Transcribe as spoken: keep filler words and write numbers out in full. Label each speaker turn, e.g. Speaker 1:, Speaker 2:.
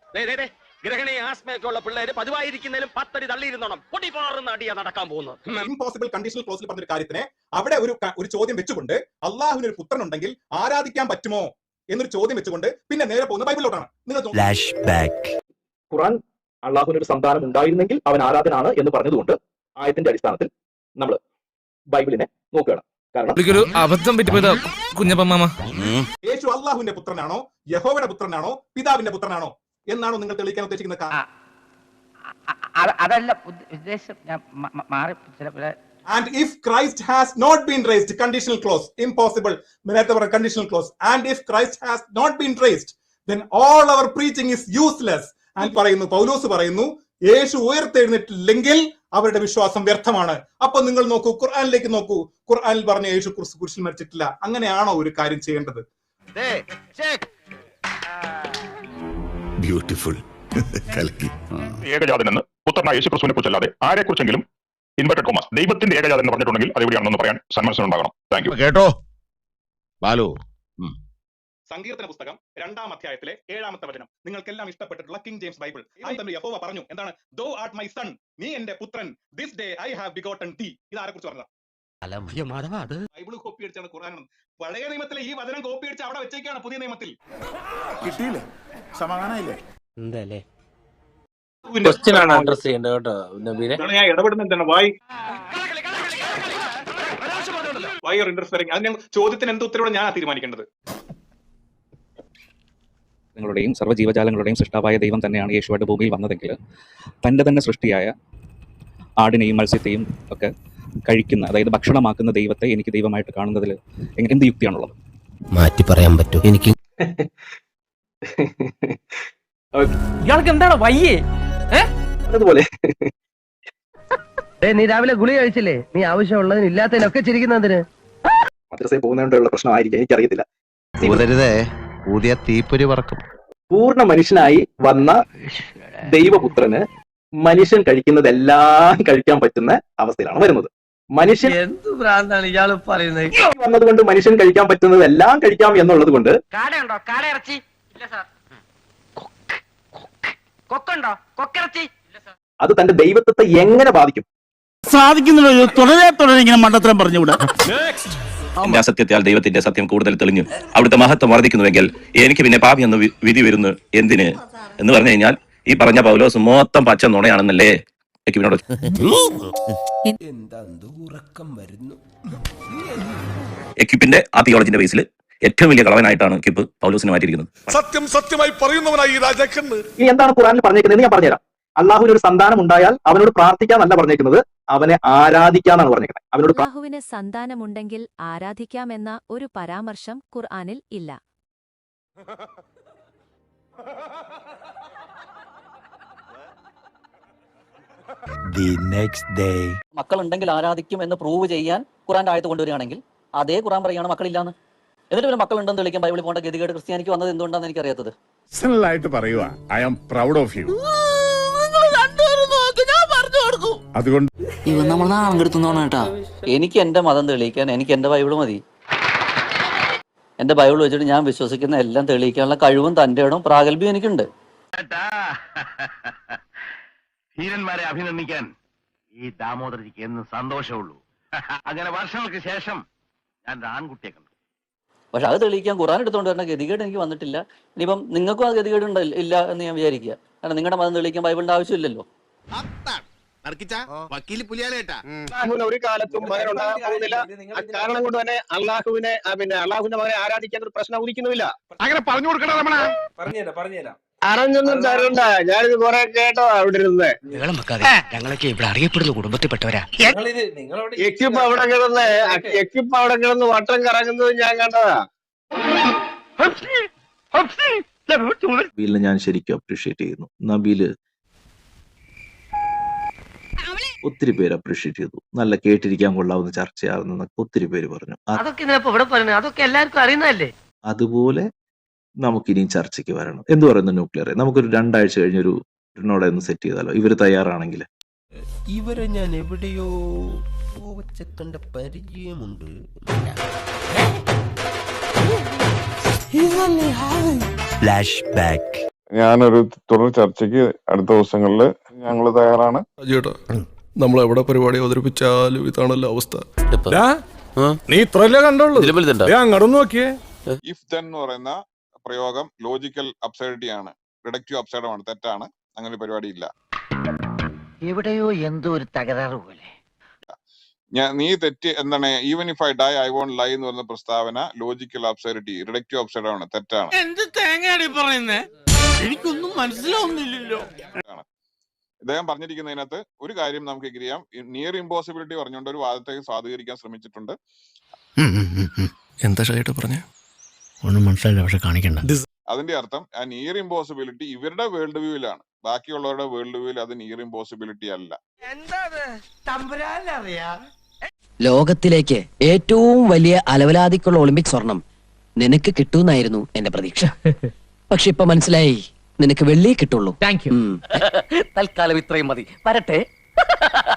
Speaker 1: ഗ്രഹണി ആസ്മയൊക്കെ ഉള്ള പിള്ളേര് പതിവായിരിക്കുന്നതിലും പത്തടി തള്ളിയിരുന്നോണം പൊടിപാറുന്ന അടിയാ നടക്കാൻ പോകുന്നത്.
Speaker 2: ഇംപോസിബിൾ കണ്ടീഷണൽ ക്ലോസിൽ പറഞ്ഞൊരു കാര്യത്തിനെ അവിടെ ഒരു ഒരു ചോദ്യം വെച്ചുകൊണ്ട് അള്ളാഹുവിന് ഒരു പുത്രൻ ഉണ്ടെങ്കിൽ ആരാധിക്കാൻ പറ്റുമോ എന്നൊരു ചോദ്യം വെച്ചുകൊണ്ട് പിന്നെ നേരെ പോകുന്ന ബൈബിളിലോട്ടാണ്.
Speaker 3: ഖുർആൻ അള്ളാഹുവിന് ഒരു സന്താനം ഉണ്ടായിരുന്നെങ്കിൽ അവൻ ആരാധനാണ് എന്ന് പറഞ്ഞതുകൊണ്ട് ആയത്തിന്റെ അടിസ്ഥാനത്തിൽ നമ്മൾ ബൈബിളിനെ നോക്കുകയാണ്. കാരണം
Speaker 4: അബദ്ധം പറ്റിപ്പോയതാ കുഞ്ഞപ്പമാമ.
Speaker 2: യേശു അള്ളാഹുവിന്റെ പുത്രനാണോ യഹോവയുടെ പുത്രനാണോ പിതാവിന്റെ പുത്രനാണോ എന്നാണോ നിങ്ങൾ തെളിയിക്കാൻ ഉദ്ദേശിക്കുന്നത്?
Speaker 5: അതല്ല ഉദ്ദേശം, ഞാൻ മാറി.
Speaker 2: And if Christ has not been raised, conditional clause, impossible, conditional clause. And if Christ has not been raised, then all our preaching is useless. And പറയുന്നു, പൗലോസ് പറയുന്നു, യേശു ഉയർത്തെഴുന്നേറ്റില്ലെങ്കിൽ അവരുടെ വിശ്വാസം വ്യർത്ഥമാണ്. അപ്പൊ നിങ്ങൾ നോക്കൂ, ഖുർആനിലേക്ക് നോക്കൂ. ഖുർആനിൽ പറഞ്ഞ യേശു കുരിശിൽ മരിച്ചിട്ടില്ല. അങ്ങനെയാണോ ഒരു കാര്യം ചെയ്യേണ്ടത്?
Speaker 6: ബ്യൂട്ടിഫുൾ.
Speaker 7: ഏകജാതനെന്ന് പുത്രനായ യേശു ക്രിസ്തുവിനെ കുറിച്ചല്ലാതെ ആരെ കുറിച്ചെങ്കിലും ഇൻവെർട്ടഡ് കോമസ് ദൈവത്തിന്റെ ഏകജാതൻ എന്ന് പറഞ്ഞിട്ടുണ്ടെങ്കിൽ അത് എവിടെയാണെന്ന് പറയാൻ സന്മനസ്സുണ്ടാകണം. Thank you.
Speaker 6: കേട്ടോ ബാലു.
Speaker 2: സങ്കീർത്തന പുസ്തകം രണ്ടാം അധ്യായത്തിലെ ഏഴാമത്തെ വചനം നിങ്ങൾക്കെല്ലാം ഇഷ്ടപ്പെട്ടിട്ടുള്ള കിങ് ജെയിംസ് ബൈബിൾ. യഹോവ പറഞ്ഞു, എന്താണ്? ദോ ആർട്ട് മൈ സൺ, നീ എന്റെ പുത്രൻ, this day I have begotten thee. ഇത് ആരെ കുറിച്ച് പറഞ്ഞതാണ്? ബൈബിൾ കോപ്പി അടിച്ചാണ് ഖുർആൻ. പഴയ നിയമത്തിലെ ഈ വചനം കോപ്പി അടിച്ച് അവിടെ വെച്ചേക്കാണ് പുതിയ നിയമത്തിൽ.
Speaker 6: കിട്ടിയില്ലേ? സമാധാനമില്ലേ?
Speaker 8: എന്തല്ലേ ക്വസ്റ്റ്യൻ ആണ് അഡ്രസ് ചെയ്യേണ്ടത് കേട്ടോ നബീനെ.
Speaker 7: ഞാൻ ഇടപെടുന്ന എന്താണ്? Why why you are interfering? അതിന് ചോദ്യത്തിന് എന്ത് ഉത്തരവാണ് ഞാൻ തീരുമാനിക്കേണ്ടത്?
Speaker 3: നിങ്ങളുടെയും സർവ്വജീവജാലങ്ങളുടെയും സൃഷ്ടാവായ ദൈവം തന്നെയാണ് യേശുവായിട്ട് ഭൂമിയിൽ വന്നതെങ്കിൽ തൻ്റെ തന്നെ സൃഷ്ടിയായ ആടിനെയും മത്സ്യത്തെയും ഒക്കെ കഴിക്കുന്ന, അതായത് ഭക്ഷണമാക്കുന്ന ദൈവത്തെ എനിക്ക് ദൈവമായിട്ട് കാണുന്നതിൽ എന്ത് യുക്തിയാണുള്ളത്?
Speaker 8: മാറ്റി പറയാൻ പറ്റും എനിക്ക്.
Speaker 5: ഇയാൾക്ക് എന്താണ് വയ്യേ?
Speaker 3: അതുപോലെ
Speaker 5: നീ രാവിലെ ഗുളി കഴിച്ചില്ലേ? നീ ആവശ്യമുള്ളതിന് ഇല്ലാത്തതിനൊക്കെ ചിരിക്കുന്നതിന്
Speaker 3: മദ്രസയിൽ പോകുന്നതുകൊണ്ടുള്ള പ്രശ്നമായിരിക്കും, എനിക്കറിയത്തില്ല.
Speaker 6: പുതിയ തീപ്പൊരി പറക്കും.
Speaker 3: പൂർണ്ണ മനുഷ്യനായി വന്ന ദൈവപുത്രന് മനുഷ്യൻ കഴിക്കുന്നതെല്ലാം കഴിക്കാൻ പറ്റുന്ന അവസ്ഥയിലാണ് വരുന്നത്. മനുഷ്യൻ
Speaker 5: എന്ത് ഭ്രാന്താണ് ഇയാൾ പറയുന്നത്?
Speaker 3: വന്നതുകൊണ്ട് മനുഷ്യൻ കഴിക്കാൻ പറ്റുന്നതെല്ലാം കഴിക്കാം എന്നുള്ളത് കൊണ്ട്
Speaker 5: കാടയുണ്ടോ? കാടയിറച്ചി ഇല്ല സാർ. കൊക്കുണ്ടോ? കൊക്കിറച്ചി ഇല്ല സാർ.
Speaker 3: അത് തന്റെ ദൈവത്വത്തെ എങ്ങനെ ബാധിക്കും?
Speaker 9: സാധിക്കുന്നുണ്ടോ? തുടരെ തുടരെ ഇങ്ങനെ മണ്ടത്തരം പറഞ്ഞുകൂടാ.
Speaker 10: സത്യത്താൽ ദൈവത്തിന്റെ സത്യം കൂടുതൽ തെളിഞ്ഞു അവിടുത്തെ മഹത്വം വർദ്ധിക്കുന്നുവെങ്കിൽ എനിക്ക് പിന്നെ പാപി എന്ന് വിധി വരുന്നു എന്തിന് എന്ന് പറഞ്ഞു കഴിഞ്ഞാൽ ഈ പറഞ്ഞ പൗലോസ് മൊത്തം പച്ച നുണയാണെന്നല്ലേ എക്യുബിനോട്. എക്യുബിന്റെ ആ തിയോളജിന്റെ ബേസിൽ ഏറ്റവും വലിയ കളവനായിട്ടാണ് എക്യുബ് പൗലോസിനെ മാറ്റിയിരിക്കുന്നത്.
Speaker 6: സത്യം സത്യമായി പറയുന്നവനായി ഈ രാജാക്കന്ന്.
Speaker 3: ഇനി എന്താണ് ഖുർആനിൽ പറഞ്ഞേക്കുന്നത്? ഞാൻ പറഞ്ഞുതരാം. അള്ളാഹുവിന് ഒരു സന്താനം ഉണ്ടായാൽ അവനോട് പ്രാർത്ഥിക്കാന്നല്ല പറഞ്ഞേക്കുന്നത്, അവനെ ആരാധിക്കാന്നാണ് പറഞ്ഞേക്കുന്നത്. അവനോട്
Speaker 11: അള്ളാഹുവിന് സന്താനമുണ്ടെങ്കിൽ ആരാധിക്കാമെന്ന ഒരു പരാമർശം ഖുർആനിൽ ഇല്ല.
Speaker 5: മക്കളുണ്ടെങ്കിൽ ആരാധിക്കും എന്ന് പ്രൂവ് ചെയ്യാൻ ഖുർആന്റെ ആയത്ത് കൊണ്ടുവരികയാണെങ്കിൽ അതേ ഖുർആൻ പറയുകയാണ് മക്കളില്ലാന്ന്. എന്നിട്ട് പിന്നെ മക്കളുണ്ടെന്ന് തെളിയിക്കാൻ ബൈബിളിൽ പോകേണ്ട ഗതികേട് ക്രിസ്ത്യാനിക്ക് വന്നത് എന്തുകൊണ്ടാണെന്ന് എനിക്കറിയാത്തത്.
Speaker 6: പേഴ്സണലായിട്ട് പറയുക, I am proud of you. അതുകൊണ്ട്
Speaker 5: എനിക്ക് എന്റെ മതം തെളിയിക്കാൻ എനിക്ക് എന്റെ ബൈബിള് മതി. എന്റെ ബൈബിൾ വെച്ചിട്ട് ഞാൻ വിശ്വസിക്കുന്ന എല്ലാം തെളിയിക്കാനുള്ള കഴിവും തന്റെ ഇടവും പ്രാഗൽഭ്യം എനിക്കുണ്ട്.
Speaker 1: ധീരന്മാരെ അഭിനന്ദിക്കാൻ ഈ ദാമോദരജിക്ക് എന്ന് സന്തോഷമുള്ളൂ. അങ്ങനെ വർഷങ്ങൾക്ക് ശേഷം ഞാൻ ആൺകുട്ടിയെ കണ്ടു.
Speaker 5: പക്ഷെ അത് തെളിയിക്കാൻ ഖുർആൻ എടുത്തുകൊണ്ട് വരുന്ന ഗതികേട് എനിക്ക് വന്നിട്ടില്ല. ഇനിയിപ്പം നിങ്ങൾക്കും ആ ഗതികേട് ഇല്ല എന്ന് ഞാൻ വിചാരിക്കുക. കാരണം നിങ്ങളുടെ മതം തെളിയിക്കാൻ ബൈബിളിന്റെ ആവശ്യമില്ലല്ലോ.
Speaker 9: ഒരു കാലത്തും മകനുണ്ടാകാൻ പോകുന്നില്ല. കാരണം കൊണ്ട് തന്നെ അള്ളാഹുവിനെ പിന്നെ അള്ളാഹുവിന്റെ മകനെ ആരാധിക്കാൻ ഒരു പ്രശ്നം ഉദിക്കുന്നുമില്ല.
Speaker 6: അങ്ങനെ പറഞ്ഞു കൊടുക്കണം.
Speaker 9: പറഞ്ഞുതരാം പറഞ്ഞുതരാം അറിഞ്ഞൊന്നും തരണ്ട. ഞാനിത് കുറെ കേട്ടോ അവിടെ ഇരുന്ന്.
Speaker 8: ഞങ്ങളൊക്കെ ഇവിടെ അറിയപ്പെടുന്ന കുടുംബത്തിൽപ്പെട്ടവരാ.
Speaker 9: എക്യുപ്പ് അവിടെ കിടന്ന് എക്യുപ്പ് അവിടെ കിടന്ന് വട്ടം കറങ്ങുന്നത് ഞാൻ കണ്ടതാ.
Speaker 3: നബീലിനെ ഞാൻ ശരിക്കും അപ്രീഷിയേറ്റ് ചെയ്യുന്നു. നബീല് ഒത്തിരി പേര് അപ്രീഷിയേറ്റ് ചെയ്തു. നല്ല കേട്ടിരിക്കാൻ കൊള്ളാവുന്ന ചർച്ചയാണെന്നൊക്കെ ഒത്തിരി പേര് പറഞ്ഞു.
Speaker 5: അതൊക്കെ എല്ലാവർക്കും അറിയുന്നതല്ലേ.
Speaker 3: അതുപോലെ നമുക്കിനിയും ചർച്ചയ്ക്ക് വരണം. എന്ത് പറയുന്നു ന്യൂക്ലിയർ? നമുക്കൊരു രണ്ടാഴ്ച കഴിഞ്ഞൊരു നോടെ ഒന്ന് സെറ്റ് ചെയ്താലോ, ഇവര് തയ്യാറാണെങ്കിൽ?
Speaker 8: ഇവരെ ഞാൻ എവിടെയോ കണ്ട പരിചയമുണ്ട്. Flashback.
Speaker 6: ഞാനൊരു തുടർ ചർച്ചയ്ക്ക് അടുത്ത ദിവസങ്ങളിൽ ഞങ്ങൾ തയ്യാറാണ്.
Speaker 4: ചേട്ടാ നമ്മൾ എവിടെ പരിപാടി അവതരിപ്പിച്ചാലും ഇതാണല്ലോ അവസ്ഥ.
Speaker 6: നീ ഇത്രല്ലേ കണ്ടുള്ളൂ, അങ്ങോട്ട് നോക്കിയേ.
Speaker 7: ഇഫ് ദെൻ എന്ന് പറയുന്ന പ്രയോഗം ലോജിക്കൽ അബ്സൈഡിറ്റി ആണ്, റിഡക്റ്റീവ് അബ്സൈഡമാണ്, തെറ്റാണ്. അങ്ങനെ ഒരു പരിപാടി ഇല്ല.
Speaker 5: എവിടെയോ എന്തോ ഒരു തകരാറ് പോലെ.
Speaker 7: ഞാൻ നീ തെറ്റ് എന്താണ്, even if I die I won't lie എന്ന് പറയുന്ന പ്രസ്താവന ലോജിക്കൽ അബ്സൈഡിറ്റി, റിഡക്റ്റീവ് അബ്സൈഡാണ്, തെറ്റാണ്.
Speaker 8: എന്ത് തേങ്ങയാടി പറയുന്നേ, എനിക്കൊന്നും മനസ്സിലാവുന്നില്ലല്ലോ.
Speaker 7: ഇദ്ദേഹം പറഞ്ഞിരിക്കുന്നതിനകത്ത് ഒരു കാര്യം നമുക്ക് എഗ്രി ചെയ്യാം. നിയർ ഇമ്പോസിബിലിറ്റി പറഞ്ഞുകൊണ്ട് ഒരു വാദത്തെ സ്വാധീകരിക്കാൻ ശ്രമിച്ചിട്ടുണ്ട്.
Speaker 4: എന്താ ചേട്ടാ പറഞ്ഞേ?
Speaker 8: ഒന്നും മനസ്സിലായില്ല, പക്ഷെ കാണിക്കണ്ട.
Speaker 7: അതിന്റെ അർത്ഥം ആ നിയർ ഇമ്പോസിബിലിറ്റി ഇവരുടെ വേൾഡ് വ്യൂവിലാണ്, ബാക്കിയുള്ളവരുടെ വേൾഡ് വ്യൂവിൽ അത് നിയർ ഇമ്പോസിബിലിറ്റി അല്ല.
Speaker 5: ലോകത്തിലേക്ക് ഏറ്റവും വലിയ അലവലാതിക്കുള്ള ഒളിമ്പിക് സ്വർണം നിനക്ക് കിട്ടൂന്നായിരുന്നു എന്റെ പ്രതീക്ഷ. പക്ഷെ ഇപ്പൊ മനസ്സിലായി, നിനക്ക് വെള്ളിയേ കിട്ടുള്ളൂ. Thank you. തൽക്കാലം ഇത്രയും മതി, വരട്ടെ.